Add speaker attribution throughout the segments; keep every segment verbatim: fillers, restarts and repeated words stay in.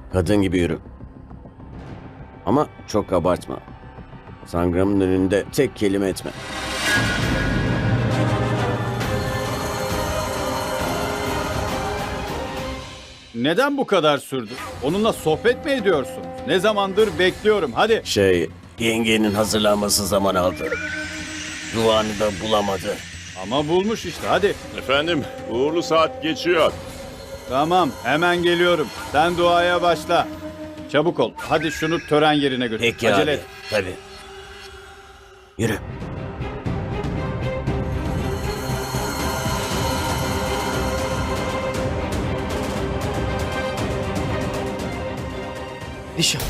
Speaker 1: Kadın gibi yürü. Ama çok abartma. Sangram'ın önünde tek kelime etme.
Speaker 2: Neden bu kadar sürdü? Onunla sohbet mi ediyorsunuz? Ne zamandır bekliyorum. Hadi.
Speaker 1: Şey, yengenin hazırlanması zaman aldı. Duanı da bulamadı.
Speaker 2: Ama bulmuş işte. Hadi.
Speaker 3: Efendim, uğurlu saat geçiyor.
Speaker 2: Tamam, hemen geliyorum. Sen duaya başla. Çabuk ol. Hadi şunu tören yerine götür.
Speaker 1: Peki
Speaker 2: Acele
Speaker 1: abi.
Speaker 2: et.
Speaker 1: Tabii. Yürü.
Speaker 4: Dişa.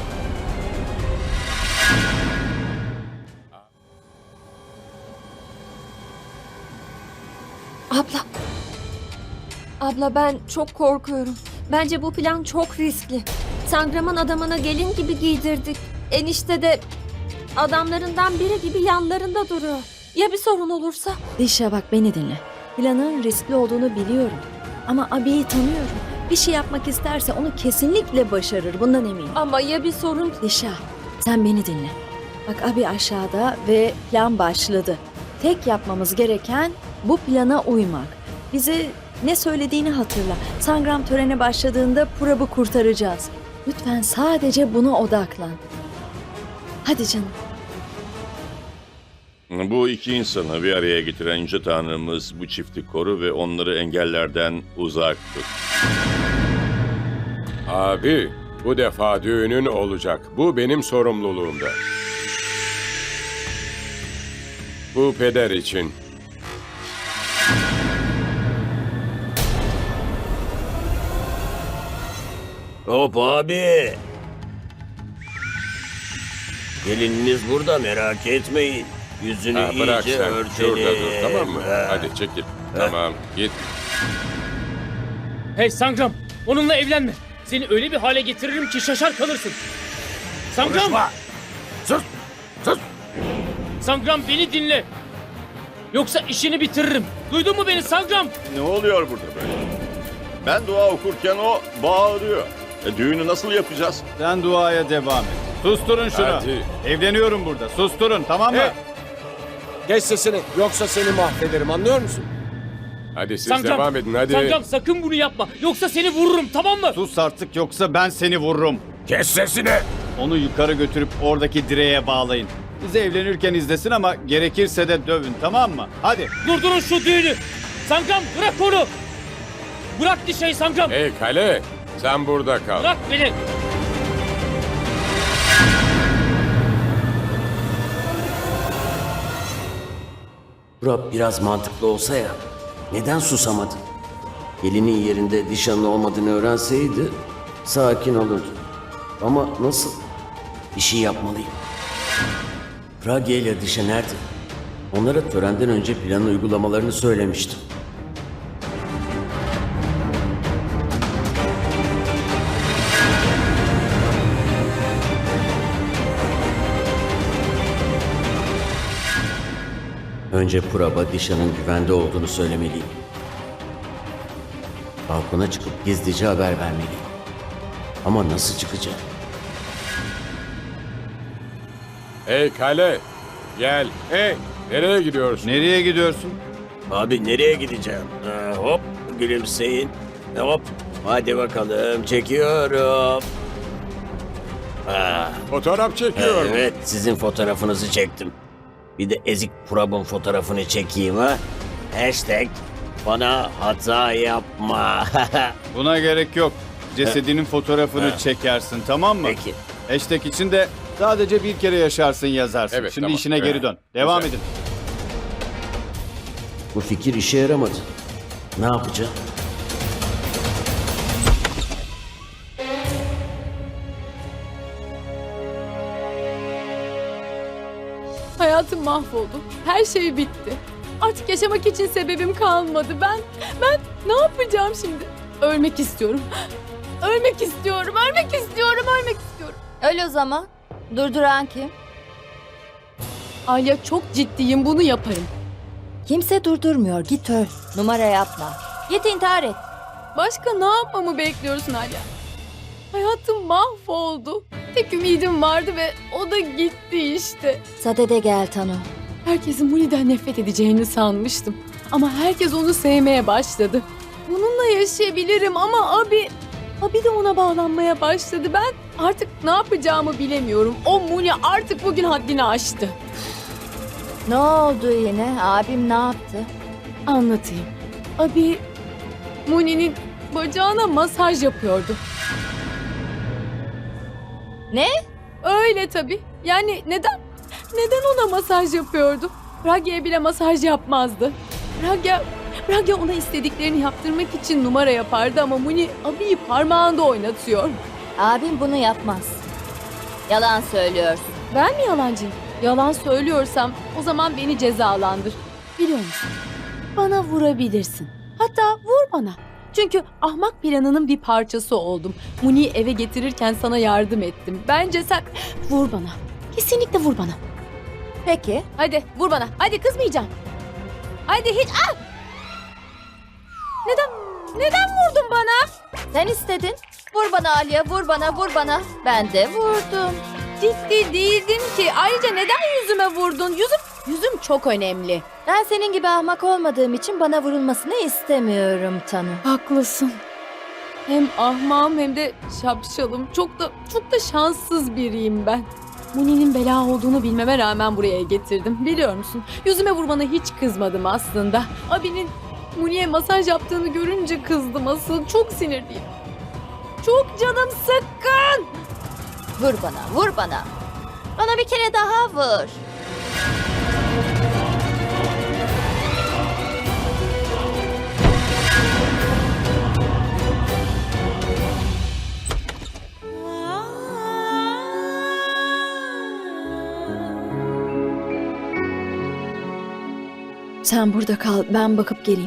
Speaker 5: Abla. Abla ben çok korkuyorum. Bence bu plan çok riskli. Sangram'ın adamına gelin gibi giydirdik. Enişte de adamlarından biri gibi yanlarında duruyor. Ya bir sorun olursa?
Speaker 6: Dişa bak beni dinle. Planın riskli olduğunu biliyorum. Ama abiyi tanıyorum. Bir şey yapmak isterse onu kesinlikle başarır. Bundan eminim.
Speaker 5: Ama ya bir sorun?
Speaker 6: Dişa sen beni dinle. Bak abi aşağıda ve plan başladı. Tek yapmamız gereken bu plana uymak. Bize ne söylediğini hatırla. Sangram töreni başladığında Purab'ı kurtaracağız. Lütfen sadece buna odaklan. Hadi canım.
Speaker 3: Bu iki insanı bir araya getiren Yüce Tanrımız bu çifti koru ve onları engellerden uzak tut.
Speaker 7: Abi, bu defa düğünün olacak. Bu benim sorumluluğumda. Bu peder için.
Speaker 1: Hop abi. Gelininiz burada, merak etmeyin. Yüzünü
Speaker 7: Ha, bırak
Speaker 1: iyice
Speaker 7: sen.
Speaker 1: örtelim.
Speaker 7: Şurada dur, tamam mı?
Speaker 1: Ha.
Speaker 7: Hadi çekil. Tamam, git.
Speaker 8: Hey Sangram, onunla evlenme. Seni öyle bir hale getiririm ki şaşar kalırsın. Sangram!
Speaker 1: Konuşma. Sus. Sus.
Speaker 8: Sangram beni dinle. Yoksa işini bitiririm. Duydun mu beni Sangram?
Speaker 3: Ne oluyor burada böyle? Ben dua okurken o bağırıyor. E, düğünü nasıl yapacağız?
Speaker 2: Sen duaya devam et. Susturun şunu.
Speaker 7: Hadi.
Speaker 2: Evleniyorum burada. Susturun, tamam mı?
Speaker 4: Hey! Kes sesini yoksa seni mahvederim, anlıyor musun?
Speaker 7: Hadi siz
Speaker 8: Sangram,
Speaker 7: devam edin, hadi.
Speaker 8: Sangram sakın bunu yapma. Yoksa seni vururum, tamam mı?
Speaker 2: Sus artık, yoksa ben seni vururum.
Speaker 4: Kes sesini!
Speaker 2: Onu yukarı götürüp oradaki direğe bağlayın. Bizi evlenirken izlesin ama gerekirse de dövün, tamam mı? Hadi.
Speaker 8: Durdurun şu düğünü. Sangram bırak onu. Bırak dişeyi Sangram.
Speaker 7: Hey Kale, sen burada kal.
Speaker 8: Bırak beni.
Speaker 1: Burak biraz mantıklı olsa ya. Neden susamadı? Gelinin yerinde Dişan'ın olmadığını öğrenseydi sakin olurdu. Ama nasıl? Bir şey yapmalıyım. Pragya ile Dişa nerede? Onlara törenden önce planı uygulamalarını söylemiştim. Önce Purab'a Dişan'ın güvende olduğunu söylemeliyim. Balkona çıkıp gizlice haber vermeliyim. Ama nasıl çıkacağım?
Speaker 7: Hey Kale, gel. Hey, nereye gidiyorsun?
Speaker 2: Nereye gidiyorsun?
Speaker 1: Abi nereye gideceğim? Ha, hop gülümseyin. Hop hadi bakalım çekiyorum. Ha,
Speaker 7: Fotoğraf çekiyorum.
Speaker 1: evet sizin fotoğrafınızı çektim. Bir de ezik Purab'ın fotoğrafını çekeyim ha. Hashtag bana hata yapma.
Speaker 2: Buna gerek yok. Cesedinin fotoğrafını
Speaker 1: Ha.
Speaker 2: çekersin, tamam mı?
Speaker 1: Peki.
Speaker 2: Hashtag için de sadece bir kere yaşarsın yazarsın.
Speaker 7: Evet,
Speaker 2: Şimdi
Speaker 7: tamam.
Speaker 2: işine geri
Speaker 7: Evet.
Speaker 2: dön. Devam
Speaker 7: Güzel.
Speaker 2: edin.
Speaker 1: Bu fikir işe yaramadı. Ne yapacağım?
Speaker 9: Hayatım mahvoldu. Her şey bitti. Artık yaşamak için sebebim kalmadı. Ben, ben ne yapacağım şimdi? Ölmek istiyorum. Ölmek istiyorum, ölmek istiyorum, ölmek istiyorum.
Speaker 5: Öyle o zaman. Durduran kim?
Speaker 9: Alya çok ciddiyim, bunu yaparım.
Speaker 6: Kimse durdurmuyor. Git öl.
Speaker 5: Numara yapma. Git intihar et.
Speaker 9: Başka ne yapmamı bekliyorsun Alya? Hayatım mahvoldu. Tek ümidim vardı ve o da gitti işte.
Speaker 6: Sadede gel Tanu.
Speaker 9: Herkesin Muni'den nefret edeceğini sanmıştım. Ama herkes onu sevmeye başladı. Bununla yaşayabilirim ama abi... Abi de ona bağlanmaya başladı. Ben artık ne yapacağımı bilemiyorum. O Muni artık bugün haddini aştı.
Speaker 6: Ne oldu yine? Abim ne yaptı?
Speaker 9: Anlatayım. Abi Muni'nin bacağına masaj yapıyordu.
Speaker 6: Ne?
Speaker 9: Öyle tabii. Yani neden? Neden ona masaj yapıyordu? Ragya'ya bile masaj yapmazdı. Ragya, Ragya ona istediklerini yaptırmak için numara yapardı ama Muni abiyi parmağında oynatıyor.
Speaker 6: Abim bunu yapmaz. Yalan söylüyorsun.
Speaker 9: Ben mi yalancıyım? Yalan söylüyorsam o zaman beni cezalandır. Biliyor musun? Bana vurabilirsin. Hatta vur bana. Çünkü ahmak planının bir parçası oldum. Muni'yi eve getirirken sana yardım ettim. Bence sen vur bana. Kesinlikle vur bana.
Speaker 6: Peki.
Speaker 9: Hadi vur bana. Hadi kızmayacağım. Hadi hiç... Ah! Neden? Neden vurdun bana?
Speaker 6: Sen istedin. Vur bana Aliye, vur bana, vur bana. Ben de vurdum.
Speaker 9: Ciddi değildim ki. Ayrıca neden yüzüme vurdun? Yüzüm, yüzüm çok önemli.
Speaker 6: Ben senin gibi ahmak olmadığım için bana vurulmasını istemiyorum Tanu.
Speaker 9: Haklısın. Hem ahmağım hem de şapşalım. Çok da çok da şanssız biriyim ben. Muni'nin bela olduğunu bilmeme rağmen buraya getirdim. Biliyor musun? Yüzüme vurmana hiç kızmadım aslında. Abinin Muni'ye masaj yaptığını görünce kızdım asıl. Çok sinirliyim. Çok canım sıkkın.
Speaker 6: Vur bana, vur bana. Bana bir kere daha vur. Sen burada kal, ben bakıp geleyim.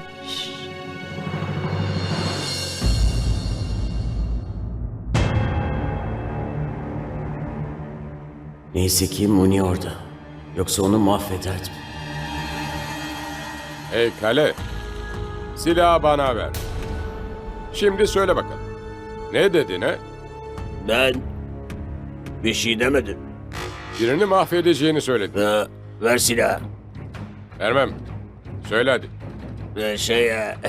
Speaker 1: Neyse ki Muni orada. Yoksa onu mahvederdim.
Speaker 7: Hey kale, silahı bana ver. Şimdi söyle bakalım. Ne dedin ha?
Speaker 1: Ben bir şey demedim.
Speaker 7: Birini mahvedeceğini söyledin.
Speaker 1: Ha, ver silahı.
Speaker 7: Vermem. Söyle hadi.
Speaker 1: Ee, Şey... e,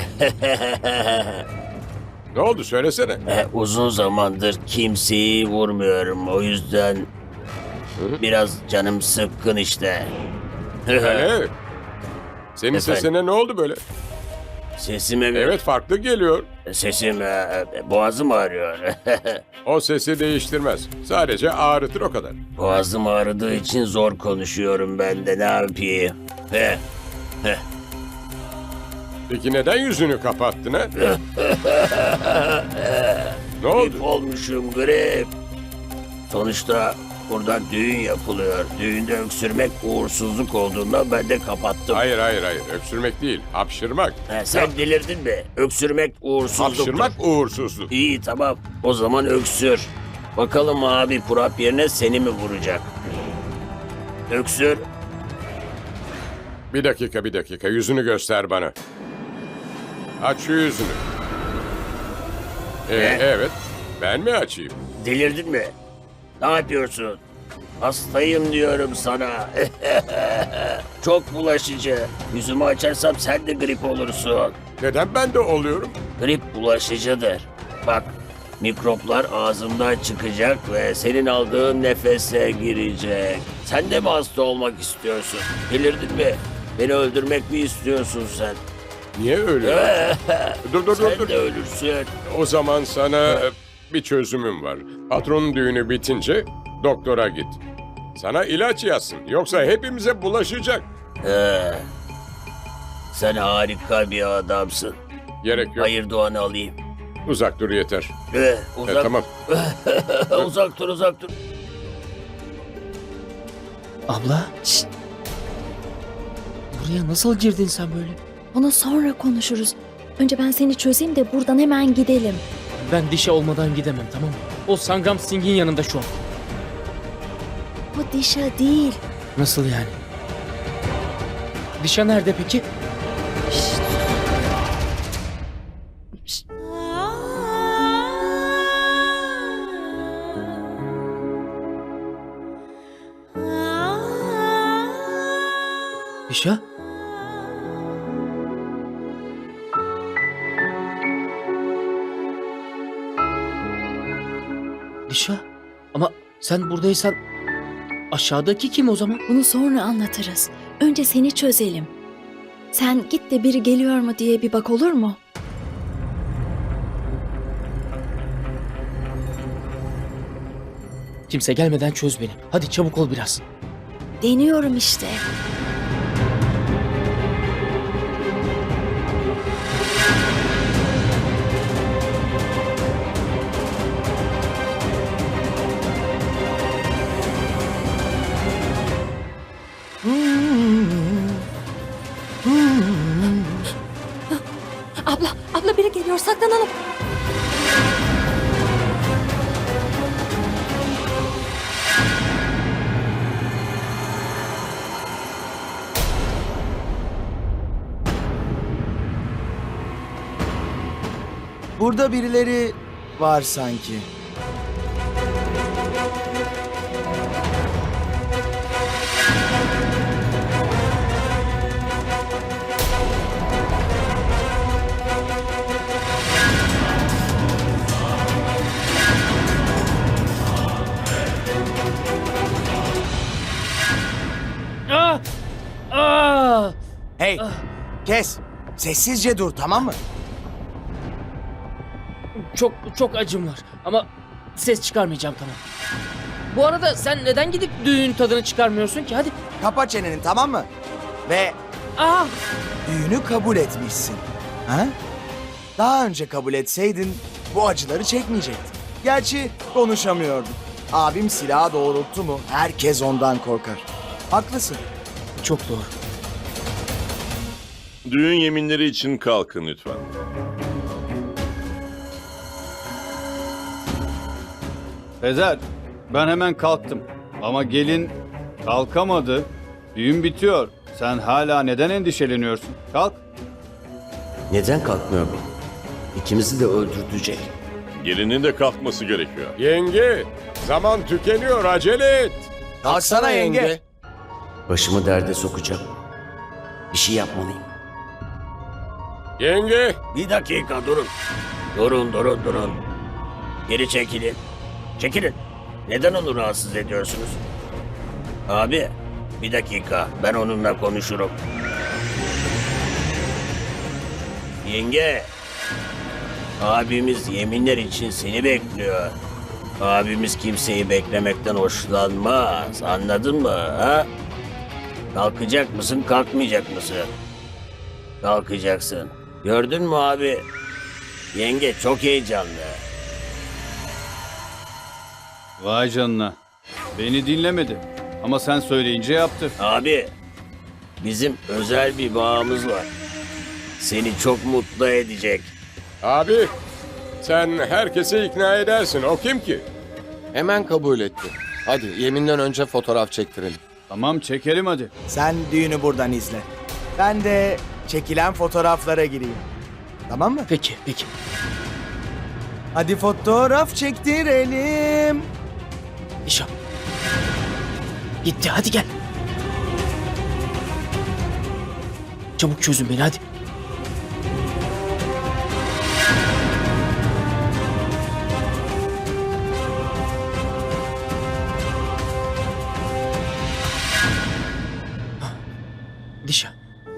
Speaker 7: Ne oldu söylesene.
Speaker 1: e, uzun zamandır kimseyi vurmuyorum. O yüzden biraz canım sıkkın işte.
Speaker 7: Kale. Senin
Speaker 1: Efendim?
Speaker 7: sesine ne oldu böyle?
Speaker 1: Sesime mi?
Speaker 7: Evet farklı geliyor.
Speaker 1: Sesim e, boğazım ağrıyor.
Speaker 7: O sesi değiştirmez. Sadece ağrıtır o kadar.
Speaker 1: Boğazım ağrıdığı için zor konuşuyorum ben de, ne yapayım? Heh.
Speaker 7: Peki neden yüzünü kapattın ha? Ne oldu?
Speaker 1: Grip olmuşum, grip. Sonuçta burada düğün yapılıyor. Düğünde öksürmek uğursuzluk olduğundan ben de kapattım.
Speaker 7: Hayır hayır hayır. Öksürmek değil. Hapşırmak.
Speaker 1: Ha, sen delirdin mi? Öksürmek uğursuzluktur.
Speaker 7: Hapşırmak uğursuzluk.
Speaker 1: İyi, tamam. O zaman öksür. Bakalım abi Purap yerine seni mi vuracak? Öksür.
Speaker 7: Bir dakika bir dakika. Yüzünü göster bana. Aç şu yüzünü. Ee,
Speaker 1: Ne?
Speaker 7: evet. Ben mi açayım?
Speaker 1: Delirdin mi? Ne yapıyorsun? Hastayım diyorum sana. Çok bulaşıcı. Yüzümü açarsam sen de grip olursun.
Speaker 7: Neden ben de oluyorum?
Speaker 1: Grip bulaşıcıdır. Bak, mikroplar ağzımdan çıkacak ve senin aldığın nefese girecek. Sen de mi hasta olmak istiyorsun? Delirdin mi? Beni öldürmek mi istiyorsun sen?
Speaker 7: Niye öyle? dur dur dur
Speaker 1: Sen
Speaker 7: dur.
Speaker 1: de ölürsün.
Speaker 7: O zaman sana e, bir çözümüm var. Patronun düğünü bitince doktora git. Sana ilaç yazsın. Yoksa hepimize bulaşacak.
Speaker 1: Ee, sen harika bir adamsın.
Speaker 7: Gerek yok.
Speaker 1: Hayır duanı alayım.
Speaker 7: Uzak dur yeter.
Speaker 1: Ee,
Speaker 7: E,
Speaker 1: uzak,
Speaker 7: tamam.
Speaker 1: uzak dur, uzak dur.
Speaker 8: Abla. Şşt. Buraya nasıl girdin sen böyle?
Speaker 6: Onu sonra konuşuruz. Önce ben seni çözeyim de buradan hemen gidelim.
Speaker 8: Ben dişe olmadan gidemem, tamam mı? O Sangram Singh'in yanında şu an.
Speaker 6: Bu Dişa değil.
Speaker 8: Nasıl yani? Dişa nerede peki? Dişa? Dişa? Ama sen buradaysan aşağıdaki kim o zaman?
Speaker 6: Bunu sonra anlatırız. Önce seni çözelim. Sen git de biri geliyor mu diye bir bak, olur mu?
Speaker 8: Kimse gelmeden çöz beni. Hadi çabuk ol biraz.
Speaker 6: Deniyorum işte.
Speaker 5: Abla, abla biri geliyor, saklanalım.
Speaker 10: Burada birileri var sanki.
Speaker 8: Ah! Ah!
Speaker 10: Hey, kes. Sessizce dur, tamam mı?
Speaker 8: Çok çok acım var ama ses çıkarmayacağım, tamam. Bu arada sen neden gidip düğün tadını çıkarmıyorsun ki? Hadi.
Speaker 10: Kapa çeneni, tamam mı? Ve
Speaker 8: Ah!
Speaker 10: düğünü kabul etmişsin. Ha? Daha önce kabul etseydin bu acıları çekmeyecektin. Gerçi konuşamıyordun. Abim silahı doğrulttu mu herkes ondan korkar. Haklısın.
Speaker 8: Çok doğru.
Speaker 3: Düğün yeminleri için kalkın lütfen.
Speaker 2: Fezer, ben hemen kalktım. Ama gelin kalkamadı. Düğün bitiyor. Sen hala neden endişeleniyorsun? Kalk.
Speaker 1: Neden kalkmıyor bu? İkimizi de öldürtecek.
Speaker 3: Gelinin de kalkması gerekiyor.
Speaker 7: Yenge, zaman tükeniyor, acele et.
Speaker 10: Kalksana yenge.
Speaker 1: Başımı derde sokacağım. Bir şey yapmalıyım.
Speaker 7: Yenge,
Speaker 11: Bir dakika durun. Durun durun durun. Geri çekilin. Çekilin. Neden onu rahatsız ediyorsunuz? Abi bir dakika ben onunla konuşurum. Yenge. Abimiz yeminler için seni bekliyor. Abimiz kimseyi beklemekten hoşlanmaz. Anladın mı? Ha? Kalkacak mısın, kalkmayacak mısın? Kalkacaksın. Gördün mü abi? Yenge çok heyecanlı.
Speaker 2: Vay canına. Beni dinlemedi. Ama sen söyleyince yaptı.
Speaker 11: Abi, bizim özel bir bağımız var. Seni çok mutlu edecek.
Speaker 7: abi sen herkesi ikna edersin. O kim ki?
Speaker 4: Hemen kabul etti. Hadi yeminden önce fotoğraf çektirelim.
Speaker 2: Tamam çekelim hadi.
Speaker 10: Sen düğünü buradan izle. Ben de çekilen fotoğraflara gireyim. Tamam mı?
Speaker 8: Peki, peki.
Speaker 10: Hadi fotoğraf çektirelim.
Speaker 8: Dişa. Gitti, hadi gel. Çabuk çözün beni, hadi. Dişa.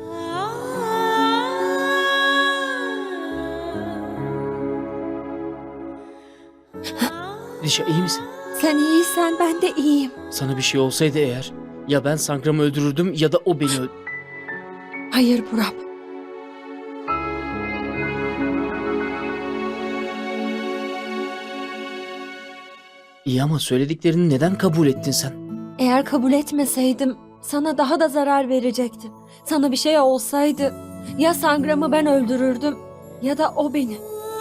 Speaker 8: Dişa, iyi misin?
Speaker 5: Sen iyiysen ben de iyiyim.
Speaker 8: Sana bir şey olsaydı eğer, ya ben Sangram'ı öldürürdüm ya da o beni öldürürdü.
Speaker 5: Hayır Burak.
Speaker 8: İyi ama söylediklerini neden kabul ettin sen?
Speaker 5: Eğer kabul etmeseydim sana daha da zarar verecektim. Sana bir şey olsaydı ya Sangram'ı ben öldürürdüm ya da o beni.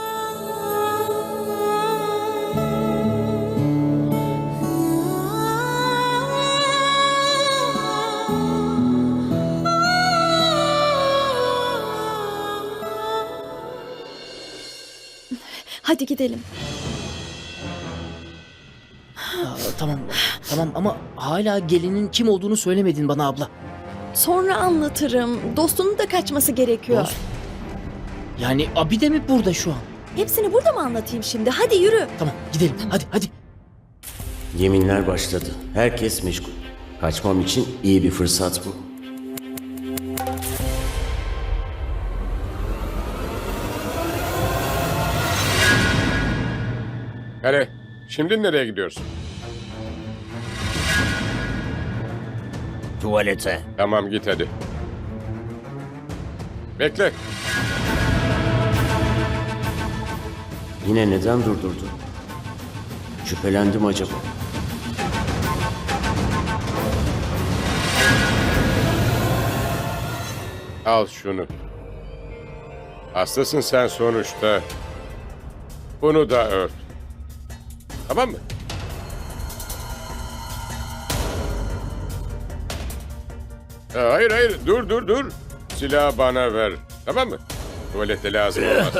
Speaker 6: Hadi gidelim.
Speaker 8: Aa, tamam, tamam ama hala gelinin kim olduğunu söylemedin bana abla.
Speaker 6: Sonra anlatırım. Dostunun da kaçması gerekiyor.
Speaker 8: Dost? Yani abi de mi burada şu an?
Speaker 6: Hepsini burada mı anlatayım şimdi? Hadi yürü.
Speaker 8: Tamam gidelim hadi hadi.
Speaker 1: Yeminler başladı. Herkes meşgul. Kaçmam için iyi bir fırsat bu.
Speaker 7: Hele, şimdi nereye gidiyorsun?
Speaker 11: Tuvalete.
Speaker 7: Tamam git hadi. Bekle.
Speaker 1: Yine neden durdurdu? Şüphelendim acaba.
Speaker 7: Al şunu. Hastasın sen sonuçta. Bunu da ört. Tamam mı? Ha, hayır hayır dur dur dur. Silahı bana ver. Tamam mı? Tuvalete lazım olmaz.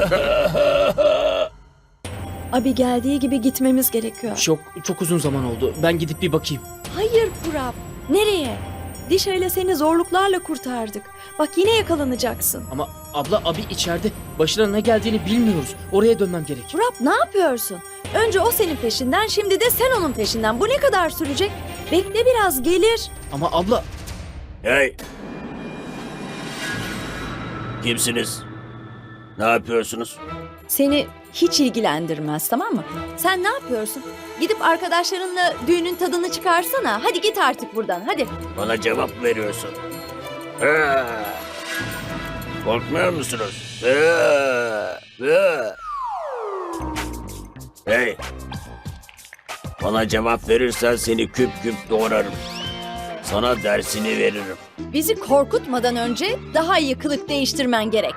Speaker 6: Abi geldiği gibi gitmemiz gerekiyor.
Speaker 8: Çok çok uzun zaman oldu. Ben gidip bir bakayım.
Speaker 6: Hayır Purap. Nereye? Dişa ile seni zorluklarla kurtardık. Bak yine yakalanacaksın.
Speaker 8: Ama abla abi içeride. Başına ne geldiğini bilmiyoruz. Oraya dönmem gerek.
Speaker 6: Purap ne yapıyorsun? Önce o senin peşinden, şimdi de sen onun peşinden. Bu ne kadar sürecek? Bekle biraz, gelir.
Speaker 8: Ama abla
Speaker 11: Hey! Kimsiniz? Ne yapıyorsunuz?
Speaker 6: Seni hiç ilgilendirmez, tamam mı? Sen ne yapıyorsun? Gidip arkadaşlarınla düğünün tadını çıkarsana. Hadi git artık buradan, hadi.
Speaker 11: Bana cevap veriyorsun. Ha! Korkmuyor musunuz? Ha! Ha! Hey! Bana cevap verirsen seni küp küp doğrarım. Sana dersini veririm.
Speaker 6: Bizi korkutmadan önce daha iyi kılık değiştirmen gerek.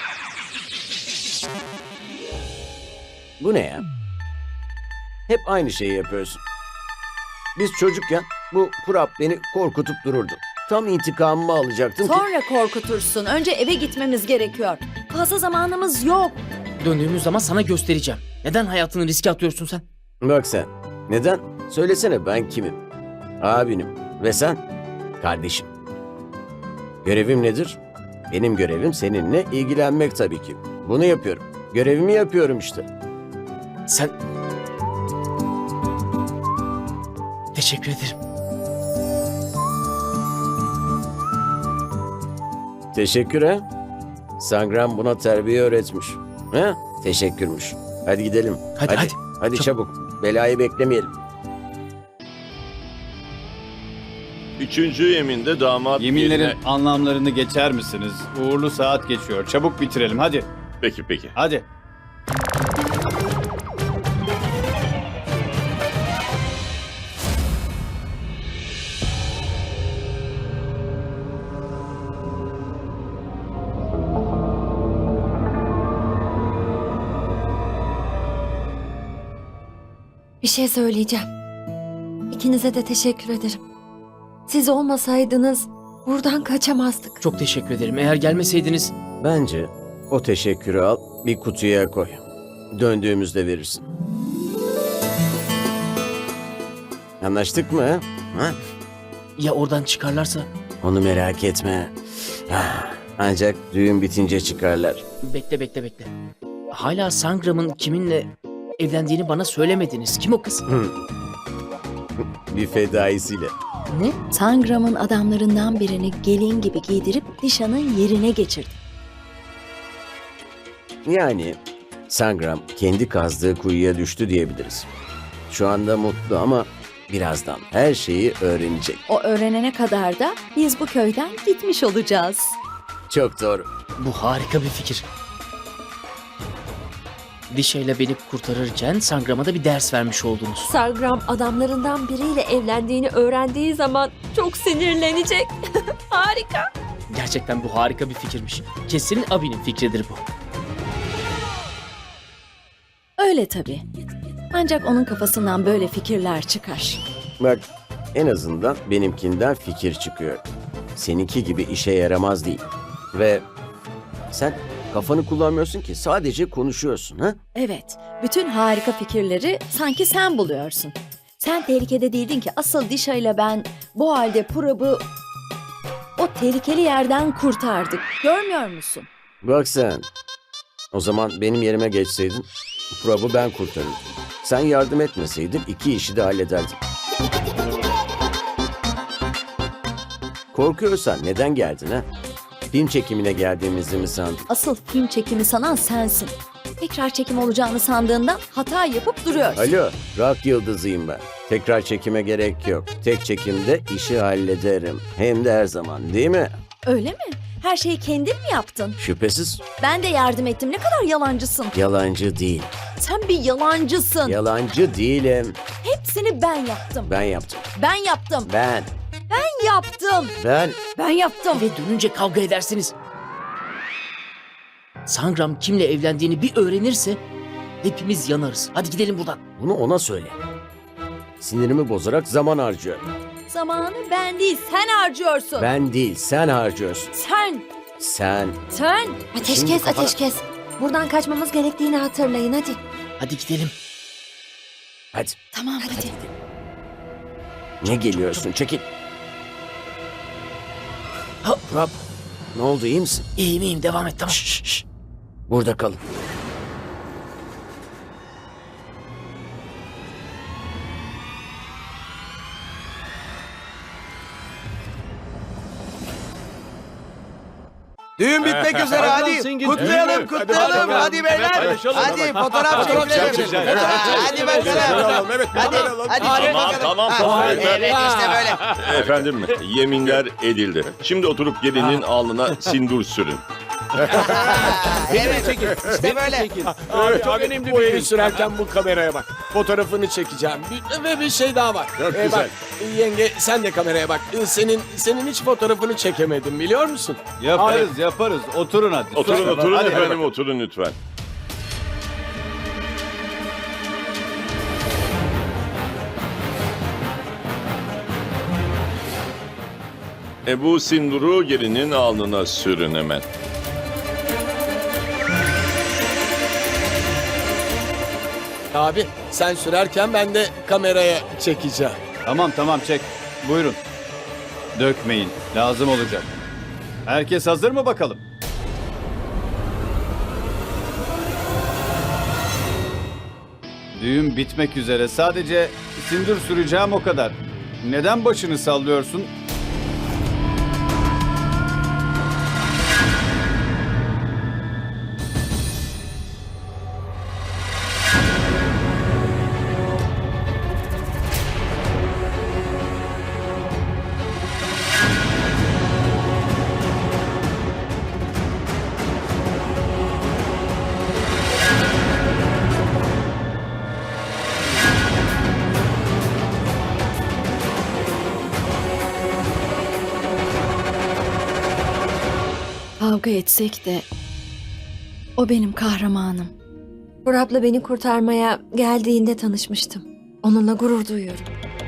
Speaker 1: Bu ne ya? Hep aynı şeyi yapıyorsun. Biz çocukken bu Purap beni korkutup dururdu. Tam intikamımı alacaktım ki...
Speaker 6: Sonra korkutursun. Önce eve gitmemiz gerekiyor. Fazla zamanımız yok.
Speaker 8: döndüğümüz zaman sana göstereceğim. Neden hayatını riske atıyorsun sen?
Speaker 1: Bak sen, neden? Söylesene ben kimim? Abinim. Ve sen? Kardeşim. Görevim nedir? Benim görevim seninle ilgilenmek tabii ki. Bunu yapıyorum. Görevimi yapıyorum işte.
Speaker 8: Sen... Teşekkür ederim.
Speaker 1: Teşekkür ha. Sangram buna terbiye öğretmiş. Ha? Teşekkürmüş. Hadi gidelim.
Speaker 8: Hadi, hadi.
Speaker 1: Hadi çabuk. Belayı beklemeyelim.
Speaker 3: Üçüncü yeminde damat
Speaker 2: Yeminlerin
Speaker 3: yerine...
Speaker 2: anlamlarını geçer misiniz? Uğurlu saat geçiyor. Çabuk bitirelim hadi.
Speaker 3: Peki peki.
Speaker 2: Hadi.
Speaker 5: Bir şey söyleyeceğim. İkinize de teşekkür ederim. Siz olmasaydınız buradan kaçamazdık.
Speaker 8: Çok teşekkür ederim. Eğer gelmeseydiniz...
Speaker 1: Bence o teşekkürü al, bir kutuya koy. Döndüğümüzde verirsin. Anlaştık mı? ha? Ha?
Speaker 8: Ya oradan çıkarlarsa?
Speaker 1: Onu merak etme. Ah, ancak düğün bitince çıkarlar.
Speaker 8: Bekle bekle bekle. Hala Sangram'ın kiminle evlendiğini bana söylemediniz. Kim o kız?
Speaker 1: Bir fedaisiyle.
Speaker 8: Ne?
Speaker 6: Sangram'ın adamlarından birini gelin gibi giydirip Dişa'nın yerine geçirdi.
Speaker 1: Yani Sangram kendi kazdığı kuyuya düştü diyebiliriz. Şu anda mutlu ama birazdan her şeyi öğrenecek.
Speaker 6: O öğrenene kadar da biz bu köyden gitmiş olacağız.
Speaker 1: Çok doğru.
Speaker 8: Bu harika bir fikir. Dişa ile beni kurtarırken Sangram'a da bir ders vermiş oldunuz.
Speaker 5: Sangram adamlarından biriyle evlendiğini öğrendiği zaman çok sinirlenecek. Harika.
Speaker 8: Gerçekten bu harika bir fikirmiş. Kesin abinin fikridir bu.
Speaker 6: Öyle tabii. Ancak onun kafasından böyle fikirler çıkar.
Speaker 1: Bak en azından benimkinden fikir çıkıyor. Seninki gibi işe yaramaz değil. Ve sen kafanı kullanmıyorsun ki, sadece konuşuyorsun ha?
Speaker 6: Evet, bütün harika fikirleri sanki sen buluyorsun. Sen tehlikede değildin ki, asıl Dişa ile ben bu halde Purab'ı o tehlikeli yerden kurtardık. Görmüyor musun?
Speaker 1: Bak sen. O zaman benim yerime geçseydin Prab'ı ben kurtarırdım. Sen yardım etmeseydin iki işi de hallederdim. Korkuyorsan neden geldin ha? Film çekimine geldiğimizi mi sandın?
Speaker 6: Asıl film çekimi sanan sensin. Tekrar çekim olacağını sandığından hata yapıp duruyorsun.
Speaker 1: Alo, rock yıldızıyım ben. Tekrar çekime gerek yok. Tek çekimde işi hallederim. Hem de her zaman, değil mi?
Speaker 6: Öyle mi? Her şeyi kendin mi yaptın?
Speaker 1: Şüphesiz
Speaker 6: Ben de yardım ettim. Ne kadar yalancısın.
Speaker 1: yalancı değil.
Speaker 6: Sen bir yalancısın.
Speaker 1: Yalancı değilim.
Speaker 6: Hepsini ben yaptım.
Speaker 1: Ben yaptım.
Speaker 6: Ben yaptım.
Speaker 1: Ben.
Speaker 6: Ben yaptım.
Speaker 1: Ben.
Speaker 6: Ben yaptım.
Speaker 8: Ve dönünce kavga edersiniz. Sangram kimle evlendiğini bir öğrenirse hepimiz yanarız. Hadi gidelim buradan.
Speaker 1: Bunu ona söyle. Sinirimi bozarak zaman harcıyor.
Speaker 6: Zamanı ben değil, sen harcıyorsun.
Speaker 1: Ben değil, sen harcıyorsun.
Speaker 6: Sen.
Speaker 1: Sen.
Speaker 6: Sen.
Speaker 5: Ateş
Speaker 1: Şimdi
Speaker 5: kes,
Speaker 1: kafana-
Speaker 5: ateş kes. Buradan kaçmamız gerektiğini hatırlayın hadi.
Speaker 8: Hadi gidelim.
Speaker 1: Hadi.
Speaker 6: Tamam hadi.
Speaker 1: Ne geliyorsun? Çekil.
Speaker 8: Ha,
Speaker 1: Rob. Ne oldu, iyi misin?
Speaker 8: iyiyim iyiyim devam et tamam.
Speaker 1: Şş, şş. Burada kalın.
Speaker 10: Düğün bitmek üzere hadi. Kutlayalım kutlayalım. Hadi beyler. Hadi fotoğraf çekelim. Hadi bakalım.
Speaker 7: Evet,
Speaker 10: Hadi hadi çek
Speaker 3: Tamam
Speaker 10: bakalım.
Speaker 3: tamam tamam.
Speaker 10: Evet işte böyle.
Speaker 3: Efendim yeminler edildi. Şimdi oturup gelinin alnına sindur sürün.
Speaker 10: Evet işte böyle.
Speaker 7: Abi, çok önemli bir şey. Sürerken bu kameraya bak. Fotoğrafını çekeceğim. Bir, ve bir şey daha var.
Speaker 3: Çok
Speaker 7: Ee,
Speaker 3: güzel.
Speaker 7: Bak, yenge sen de kameraya bak. Ee, Senin senin hiç fotoğrafını çekemedim biliyor musun?
Speaker 2: Yaparız yaparız. Oturun hadi.
Speaker 3: Oturun
Speaker 2: Sus.
Speaker 3: oturun
Speaker 2: Hadi, hadi
Speaker 3: efendim oturun lütfen. E bu sinduru gelinin alnına sürün hemen.
Speaker 7: Abi sen sürerken ben de kameraya çekeceğim.
Speaker 2: Tamam tamam çek. Buyurun. Dökmeyin. Lazım olacak. Herkes hazır mı bakalım? Düğün bitmek üzere. Sadece sindir süreceğim o kadar. Neden başını sallıyorsun?
Speaker 6: Kavga etsek de o benim kahramanım.
Speaker 5: Prab'la beni kurtarmaya geldiğinde tanışmıştım. Onunla gurur duyuyorum.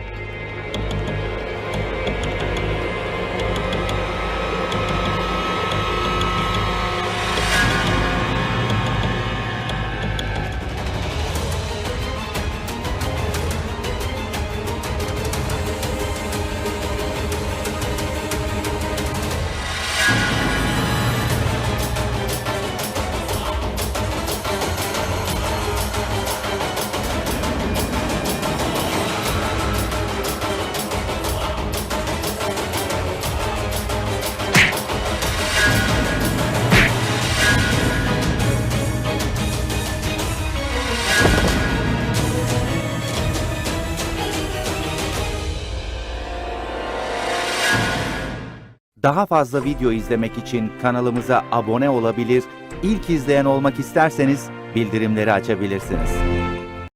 Speaker 12: Daha fazla video izlemek için kanalımıza abone olabilir, ilk izleyen olmak isterseniz bildirimleri açabilirsiniz.